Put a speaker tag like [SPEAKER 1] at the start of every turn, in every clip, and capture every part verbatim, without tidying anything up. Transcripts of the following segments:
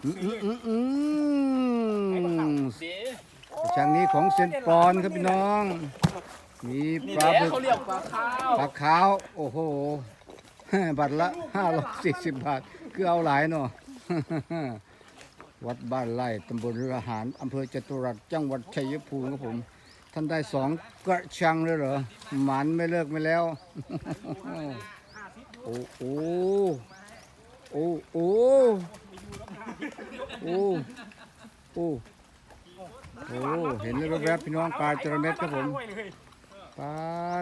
[SPEAKER 1] อืมอืมอืมอืมช่างนี้ของเซนปอนครับพี่น้อง มีปลาบึก
[SPEAKER 2] เขาเรียกปลาข้าว
[SPEAKER 1] ปลาขาว โอ้โหบัตรละห้าร้อยสี่สิบบาท คือเอาหลายเนาะ วัดบ้านไร่ตำบลระหารอำเภอจตุรัสจังหวัดชัยภูมิครับผม ท่านได้สองกระชังเลยเหรอ หมันไม่เลิกไม่แล้ว โอ้โหโอ้โหโอ้โอ้โอ้เห็นเลยแวบๆพี่น้องปลาจระเม็ดครับผมปลา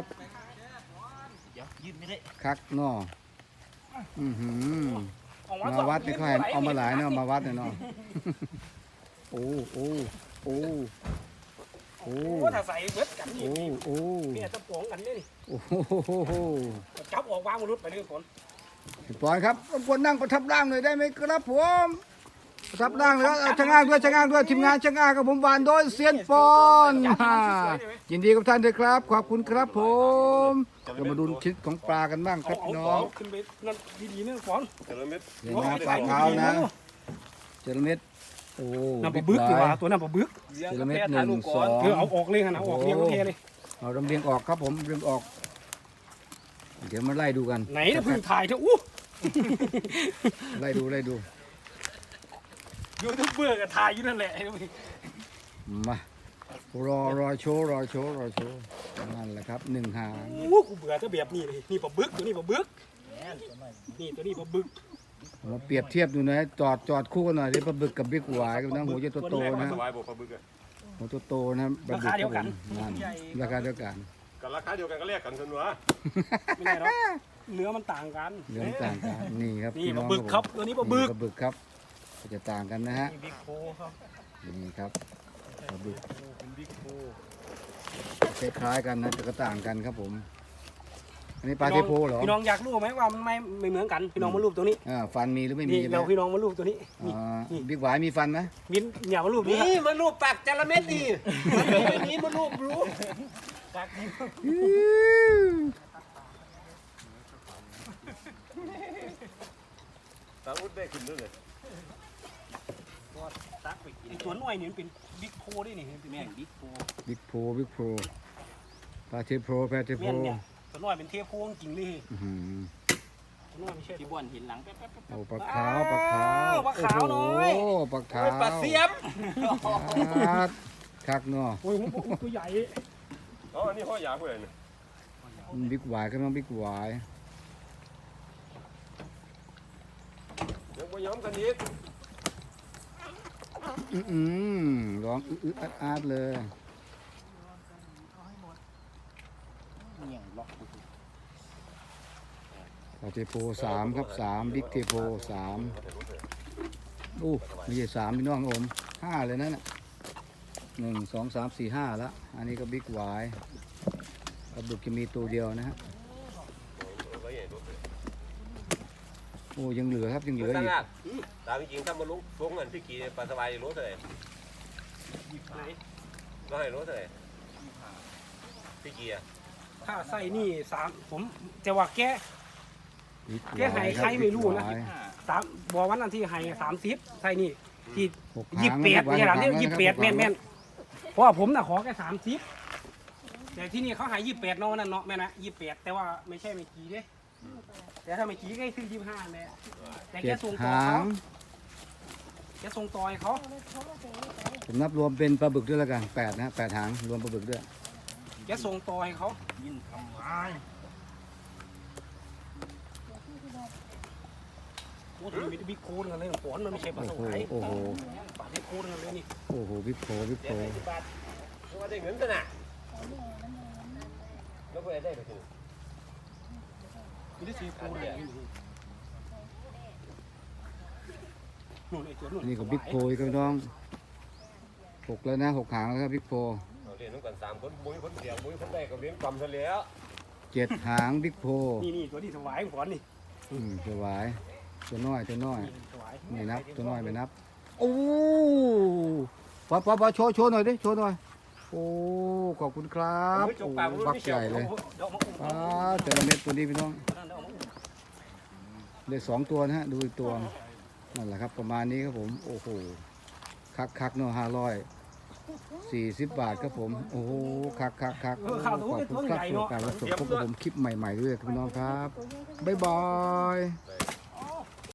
[SPEAKER 1] คักเนาะอือหือมาวัดนี่เขาให้เอามาหลายเนาะมาวัดเนี่ยเนาะโอ้โอ้โอ้โอ้
[SPEAKER 2] โอ้ถ้าใส่เบิดกันนี่
[SPEAKER 1] โอ้โอ้
[SPEAKER 2] เนี่ยจะปองกันนี่
[SPEAKER 1] โอ้โห
[SPEAKER 2] จับออกวางมนุษย์ไปเรื่องฝน
[SPEAKER 1] ปล่อยครับรบกวนนั่งประทับร่างหน่อยได้ไหมครับผมประทับร่างเลยครับช่างอ้างด้วยช่างอ้างด้วยทีมงานช่างอ้างกับผมบานโดยเซียนปอนยินดีกับท่านด้วยครับขอบคุณครับผมเรามาดูชิ้นของปลากันบ้างครับพี่น้อง
[SPEAKER 2] ขึ้นไปนั่นดีๆนี่ฝน
[SPEAKER 1] เห็นนะปลาขาวนะเจระเม็ดโอ้
[SPEAKER 2] น้ำปลาบึกดีกว่าตัวน้ำปลาบึก
[SPEAKER 1] เจระเม็ดหนึ่งสอง
[SPEAKER 2] เออเอาออกเลยนะเอาออกเรียงเทเลย
[SPEAKER 1] เอาลำเลียงออกครับผมเรียงออกเดี๋ยวมาไล่ดูกัน
[SPEAKER 2] ไหนเนี่ยพึ่งถ่ายเถอะอู้
[SPEAKER 1] ไล่ดูไล่ดู
[SPEAKER 2] ยูทูบเบอร์ก็ถ่ายอยู่นั่นแหละ
[SPEAKER 1] มารอรอโชว์รอโชว์รอโชว์นั่นแหละครับหนึ่งหาง
[SPEAKER 2] อู้กูเบื่อถ้าแบบนี้เลยนี่ปลาบึกตัวนี้ปลาบึกนี่ตัวนี้ปลาบึก
[SPEAKER 1] มาเปรียบเทียบดูนะจอดจอดคู่กันหน่อยที่ปลาบึกกับบิ๊กหวายกับน้ำหัวจะโตๆนะหัวโตๆนะปลาบึกครับผมนั่นราคาเดียวกัน
[SPEAKER 3] กันราคาเดียวกันก็แลกกันสนวะ
[SPEAKER 2] ไม่ได้หรอกเนื้อมันต่างกัน
[SPEAKER 1] เรื่องต่างกันนี่ครับ
[SPEAKER 2] นี่
[SPEAKER 1] พี่
[SPEAKER 2] ป
[SPEAKER 1] น้
[SPEAKER 2] ลา
[SPEAKER 1] อง
[SPEAKER 2] บึกครับตัวนี้ปลาบึก
[SPEAKER 1] ปลาบึกครับจะต่างกันนะฮะ
[SPEAKER 2] บิ๊กโคครับ
[SPEAKER 1] นี่ครับปลาบึกคล้ายๆกันนะแต่ก็ต่างกันครับผม อันนี้ปลาเทโพเหรอ
[SPEAKER 2] พี่น้องอยากรู้ไหมว่ามันไม่ไม่เหมือนกันพี่น้องมารูปตัวนี้
[SPEAKER 1] อ่าฟันมีหรือไม่มี
[SPEAKER 2] นี่
[SPEAKER 1] ใช่ไหม
[SPEAKER 2] เราพี่น้องมารูปตัวนี้
[SPEAKER 1] อ่าบิ๊กหวายมีฟันไหม
[SPEAKER 2] มินอย่ามารูปนี้
[SPEAKER 4] นี่มันรูปปากจระเม็ดดีมันนี้มันรูปรู้
[SPEAKER 3] ตาอุดได้ขึ้นด้วยเลย
[SPEAKER 2] ไอ้ตัวน้อยนี่มันเป็นบิ๊กโคด้วยนี่เป็นแม่งบิ๊กโค
[SPEAKER 1] บิ๊กโพบิ๊กโพปลาเทโพปลาเทโพ
[SPEAKER 2] แม่นเนี่ยตัวน้อยเป็นเทพโคจริงเลย
[SPEAKER 1] อื้อหือ
[SPEAKER 2] ตัวน้อยไม่ใช่
[SPEAKER 4] ที่บ้วนเห็นหลังแป๊บแป๊บ
[SPEAKER 1] โอ้ปลาขาวปลาขาว
[SPEAKER 2] ปลาขาวน้อย
[SPEAKER 1] โอ้ปลาขาว
[SPEAKER 4] ปลาเสียม
[SPEAKER 1] ครับคักเนาะ
[SPEAKER 2] โอ้ยผมตัวใหญ่
[SPEAKER 3] อ๋ออันนี้ห้อยยาผู้ใดเนี่ย
[SPEAKER 1] บิ๊กหวายก็ต้องบิ๊กหวาย
[SPEAKER 3] ยังไม่ย้อมกันอีก
[SPEAKER 1] อื้อหือร้องอื้อๆอาดๆเลยปลาเทโพสามครับสามบิ๊กเทโพสามโอ้ไม่ใช่สามพี่น้องผมห้าเลยนั่นน่ะหนึ่งสองสามสี่ห้าละอันนี้ก็บิ๊กหวายปลาบึกจะมีตัวเดียวนะฮะโอ้ยังเหลือครับยังเหลือ
[SPEAKER 3] ตั้ง
[SPEAKER 1] อีก
[SPEAKER 3] งานตามจริงถ้ามาลุกลงเงินพี่กีปลาสบายรู้เท่าไหร่
[SPEAKER 2] ไหน
[SPEAKER 3] ก็ให้รู้เท่าไหร่พี่กีอะ
[SPEAKER 2] ถ้าใส่นี่สามผมจะว่าแก
[SPEAKER 1] บิ๊กหวาย
[SPEAKER 2] แกให้ใครไม่รู้นะ
[SPEAKER 1] บิ๊กหวาย
[SPEAKER 2] สามบอกวันนั้นที่ให้สามสิบใส่นี่ที่
[SPEAKER 1] หก
[SPEAKER 2] ยี่
[SPEAKER 1] หา
[SPEAKER 2] สิ
[SPEAKER 1] ง
[SPEAKER 2] บแปดเนี่ยหลังเนี่ย
[SPEAKER 1] หก
[SPEAKER 2] ยี่สิบแปด
[SPEAKER 1] หาง
[SPEAKER 2] แม่นแม่นเพราะว่าผมน่ะขอแค่สามสิบแต่ที่นี่เขาให้ยี่สิบแปดเนาะนั่นเนาะแม่นะยี่สิบแปดแต่ว่าไม่ใช่ไม่กี่เด้แต่ถ้าไม่กี่ก็คือยี่สิบห้าแม่แต่แก
[SPEAKER 1] เจ็ด
[SPEAKER 2] ส่งต่อ
[SPEAKER 1] หา
[SPEAKER 2] เขา
[SPEAKER 1] ง
[SPEAKER 2] แกส่งต่อยเขา
[SPEAKER 1] ผมนับรวมเป็นปลาบึกด้วยแล้วกันแปดนะแปดหางรวมปลาบึกด้วย
[SPEAKER 2] แกส่งต่อยเขายินทำไมโอ้โหมีบิ๊กโค้ดกันเลยฝนมันไม่ใช่ปลา
[SPEAKER 1] โอ้
[SPEAKER 2] ส
[SPEAKER 1] โห
[SPEAKER 2] วาย
[SPEAKER 1] โอ้โห
[SPEAKER 2] ปลาบิ๊กโค้ดกันเลยนี่
[SPEAKER 1] โอ้โหบิ๊กโผบิ๊กโผ
[SPEAKER 3] สิบบาทว่าได้เงินตัวน่ะแล้วก็ได้ไปถึง
[SPEAKER 2] มีได้สี่โค้ดเลยนู่นไอ้ตัวนู่น
[SPEAKER 1] นี่ก็บิ๊กโผอีกครับพี่น้องหกแล้วนะหกหางแล้วครับบิ๊กโผ
[SPEAKER 3] เราเรียนต้องกันสามคนบุ้ยคนเดียวบุ้ยคนได้ก็เลี้ยงกำซะแล้ว
[SPEAKER 1] เจ็ดหางบิ๊กโผ
[SPEAKER 2] นี่นี่ตัวที่ถวายฝนนี่
[SPEAKER 1] อืมตัวหวายตัวน้อยตัวน้อย
[SPEAKER 2] ถวาย
[SPEAKER 1] ไม่นับตัวน้อยไม่นับโอ้ปอปอปอโชว์โชว์หน่อยดิโชว์หน่อยโอ้ขอบคุณครับโอ้บักใหญ่เลยป้าแต่ละเม็ดตัวนี้พี่น้องได้สองตัวนะฮะดูอีกตัวนั่นแหละครับประมาณนี้ครับผมโอ้โหคักคักๆเนาะห้าร้อยสี่สิบบาทครับผมโอ้โหคักคักคัก
[SPEAKER 2] เออข้าวตู้
[SPEAKER 1] ขอบ
[SPEAKER 2] เป็น
[SPEAKER 1] คุ
[SPEAKER 2] ตัว
[SPEAKER 1] ณครับ
[SPEAKER 2] ใหญ่
[SPEAKER 1] สำหรับ
[SPEAKER 2] เนาะ
[SPEAKER 1] การรับชมพบกับผมคลิปใหม่ๆด้วยครับพี่น้องครับบ๊ายบาย
[SPEAKER 3] ไป